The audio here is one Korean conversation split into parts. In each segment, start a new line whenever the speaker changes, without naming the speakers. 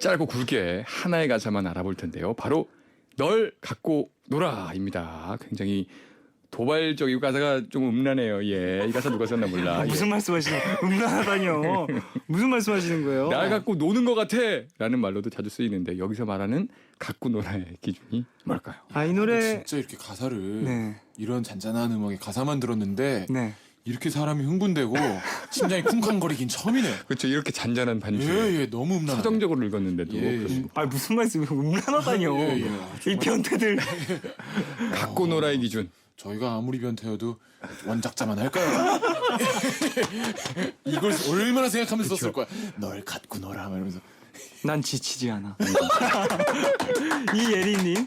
짧고 굵게 하나의 가사만 알아볼 텐데요. 바로 널 갖고 놀아입니다. 굉장히 도발적이고 가사가 좀 음란해요. 예, 이 가사 누가 썼나 몰라. 예.
무슨 말씀하시는 음란하다뇨. 무슨 말씀하시는 거예요?
날 갖고 노는 것 같아 라는 말로도 자주 쓰이는데 여기서 말하는 갖고 놀아의 기준이 뭘까요?
아, 이 노래
진짜 이렇게 가사를
네.
이런 잔잔한 음악에 가사만 들었는데
네.
이렇게 사람이 흥분되고 심장이 쿵쾅거리긴 처음이네요.
그렇죠. 이렇게 잔잔한 반주
예, 너무 음란하네.
서정적으로 읽었는데도
예.
그렇습니다.
아, 무슨 말씀이에요? 음란하다뇨.
예, 예.
이 변태들.
갖고 놀아의 기준.
저희가 아무리 변태여도 원작자만 할까요? 이걸 얼마나 생각하면서 썼을 거야. 널 갖고 놀아 이러면서.
난 지치지 않아. 이예리님.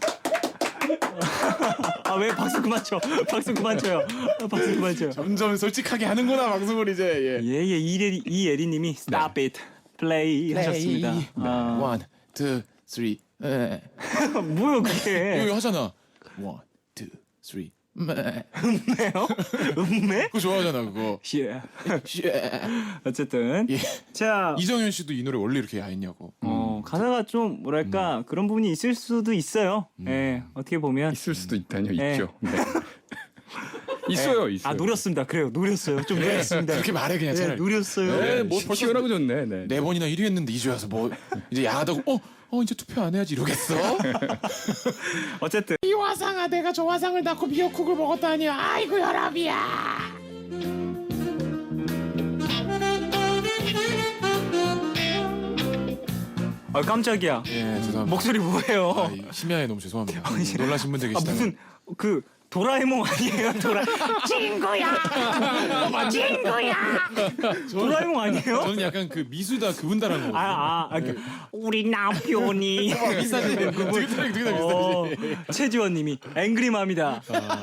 아, 왜 박수 그만 쳐? 박수 그만 쳐요. 박수 그만 쳐요.
점점 솔직하게 하는구나 방송을 이제. 예.
예예, 이예리님이 Stop it, play 하셨습니다. 아,
One, two, three.
뭐요 그게?
이거 하잖아. One, two, three.
음매요? 음매?
그거 좋아하잖아 그거.
예. 어쨌든
예.
자,
이정현 씨도 이 노래 원래 이렇게 야했냐고.
가사가 좀 뭐랄까 그런 부분이 있을 수도 있어요. 예, 어떻게 보면
있을 수도 있다뇨.
예.
있죠. 네. 있어요. 있어요.
아, 노렸습니다. 그래요, 노렸어요. 좀 노렸습니다.
그렇게 말해 그냥
예,
차라리.
노렸어요.
네,
뭐
벌써
시원하고 좋네. 네.
네 번이나 1위 했는데 2주 와서 뭐 이제 야하다고 이제 투표 안 해야지 이러겠어?
어쨌든
이 화상아 내가 저 화상을 낳고 미역국을 먹었다니 아이고 혈압이야.
아, 깜짝이야.
예 죄송합니다.
목소리 뭐예요?
심야에 너무 죄송합니다. 놀라신 분들
아,
계시다면.
무슨 그 도라에몽 아니에요? 친구야. 도라에몽 아니에요?
저는 약간 그 미수다 그분다라는 거.
우리 남편이
비슷하네. 되게 비슷하지.
최지원님이 앵그리맘이다.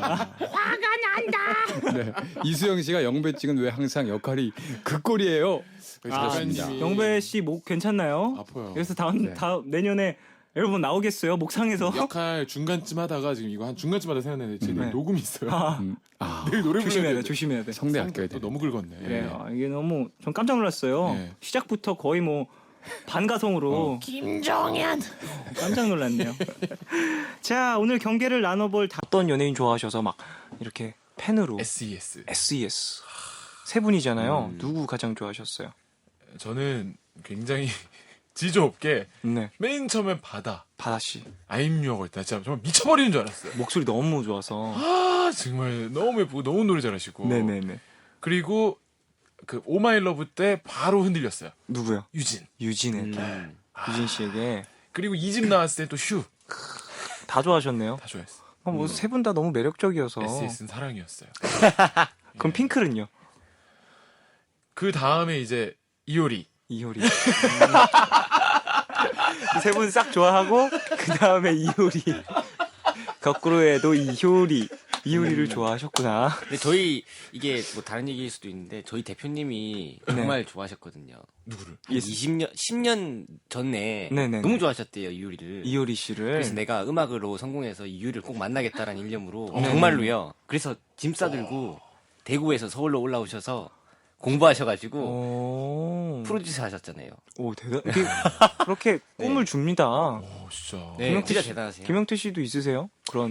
네. 이수영 씨가 영배 찍은 왜 항상 역할이 그 꼴이에요.
작가님이
영배 씨 목 괜찮나요?
아파요.
그래서 다음 내년에 여러분 나오겠어요? 목 상해서?
역할 중간쯤 하다가 지금 이거 한 중간쯤 하다 생각났는데 지금
네.
녹음이 있어요.
아,
내일 노래
조심해야
불러야
돼, 조심해야 돼.
성대 아껴야
또
돼.
너무 긁었네.
그래요. 이게 너무 전 깜짝 놀랐어요.
네.
시작부터 거의 뭐 반가성으로
김정현.
깜짝 놀랐네요. 자, 오늘 경계를 나눠볼 어떤 연예인 좋아하셔서 막 이렇게 팬으로
SES.
SES 세 분이잖아요. 누구 가장 좋아하셨어요?
저는 굉장히 지조 없게
네,
맨 처음에 바다
바다 씨
아임유어가 있다. 진짜 정말 미쳐버리는 줄 알았어요.
목소리 너무 좋아서.
아 정말 너무 예쁘고 너무 노래 잘하시고.
네네네.
그리고 그 오마이러브 때 바로 흔들렸어요.
누구요?
유진.
유진에게. 유진 씨에게
그리고 2집 나왔을 때 또 슈.
다 좋아하셨네요.
다 좋아했어.
뭐 세 분 다 너무 매력적이어서.
SES는 사랑이었어요.
그럼 핑클은요?
그 다음에 이제 이효리.
이효리. 세 분 싹 좋아하고 그 다음에 이효리. 거꾸로 해도 이효리를 좋아하셨구나.
근데 저희 이게 뭐 다른 얘기일 수도 있는데 저희 대표님이 정말 좋아하셨거든요.
누구를?
한 20년, 10년 전에
네네네.
너무 좋아하셨대요, 이효리를.
이효리 씨를.
그래서 내가 음악으로 성공해서 이효리를 꼭 만나겠다라는 일념으로 정말로요. 그래서 짐 싸들고 대구에서 서울로 올라오셔서 공부하셔가지고
오.
프로듀서 하셨잖아요.
오, 그렇게 꿈을 줍니다.
진짜.
네, 진짜 대단하세요.
김영태 씨도 있으세요? 그런